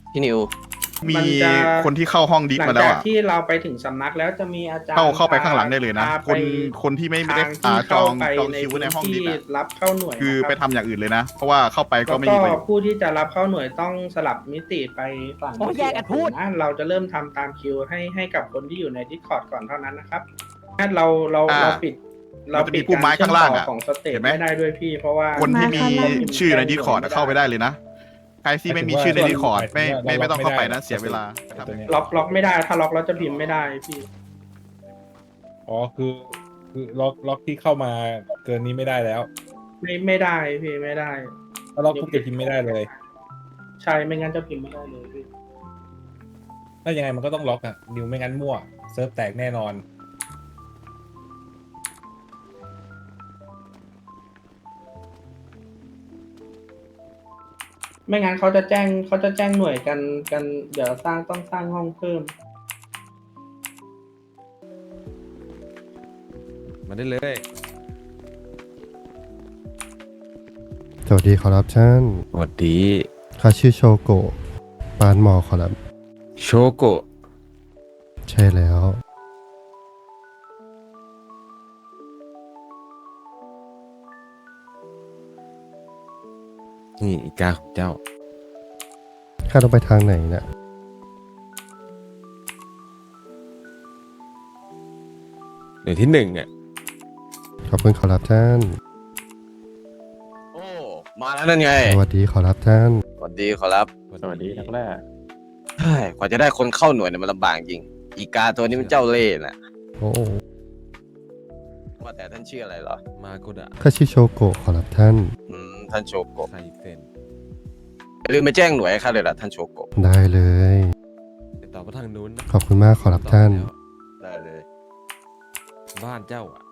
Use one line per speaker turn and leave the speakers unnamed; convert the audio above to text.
พี่นิว
มี
มันจะ
คนที่เข้าห้องดิส
หลัง
มาแล้ว
จาก
อ่ะ
ที่เราไปถึงสำนักแล้วจะมีอาจารย์
เข้าไปข้างหลังได้เลยนะ
พา
คนที่ไม่ได้
ทางที่
จอง
เข้าไป
จอง
ใน
คิว
พื้น
ในห้องดิ
ที่
สอ่ะ
รับเข้าหน่วย
คือ
นะ
ไป
ครับ
ทำอย่างอื่นเลยนะ เพราะว่าเข้าไปก็
แล้ว
ไม่
ก็
มีประโยชน์
ผู้ที่จะรับเข้าหน่วยต้องสลับมิติไปฝั่ง
โอ้ยแยกกันพูด
นะเราจะเริ่มทำตามคิวให้กับคนที่อยู่ใน Discord ก่อนเท่านั้นนะครับถ้าเราปิด
มันจะมีปุ่มไม้ข้างล่างอะ
ของสเตจ
เห็นไหม
ไม่ได้ด้วยพี่เพราะว่า
คนที่มี
เขาพิพ์
ชื่อใน
แจ้ง
ดิสคอร์ด
หน่วย
เข้าไปได้เลยนะ ใครที่ไม่มีชื่อในดิสคอร์ดไม่ต้องเข้าไปนะ เสียเวลา
ตัวเนี้ย
ล็อกไม่ได้ถ้าล็อกแล้วจะพิมพ์ไม่ได้พี่
อ๋อคือล็อกที่เข้ามาเกินนี้ไม่ได้แล้ว
ไม่ได้พี่ไม่ได้
ถ้าล็อกปุ๊บจะพิมพ์ไม่ได้เลย
ใช่ไม่งั้นจะพิมพ์ไม่ได้เลยพี่
ถ้ายังไงมันก็ต้องล็อกอ่ะนิวไม่งั้นมั่วเซิร์ฟแตกแน่นอน
ไม่งั้นเขาจะแจ้งหน่วยกันเดี๋ยวต้องสร้างห้องเพิ่ม
มาได้เลย
สวัสดีขอรับท่าน
สวัสดี
ข้าชื่อโชโกะปานหมอขอรับ
โชโกะ
ใช่แล้ว
นี่อีกาของเจ้า
ข้าต้องไปทางไหนเนี่ย
หน่วยที่หนึ่งอ่ะ
ขอบคุณขอรับท่าน
โอ้มาแล้วนั่นไง
สวัสดีขอรับท่าน
สวัสดีขอรับ
สวัสดีนักแรก
เฮ้ยกว่าจะได้คนเข้าหน่วยเนี่ยมันลำบากจริง อีกาตัวนี้มันเจ้าเล่ห์น่ะ
โอ้
ว่าแต่ท่านชื่ออะไรเหรอ
มาโกดะ
ข้าชื่อโชโกะขอรับท่าน
ท่านโชโกะ
ไซเซน
อย่าลืมไปแจ้งหน่วยให้ข้าเลยล่ะท่านโชโกะ
ได้เลย
ติดต่อมาทางนู้นนะ
ขอบคุณมากขอรับท่าน
ได้เลย
บ้านเจ้าอ่ะ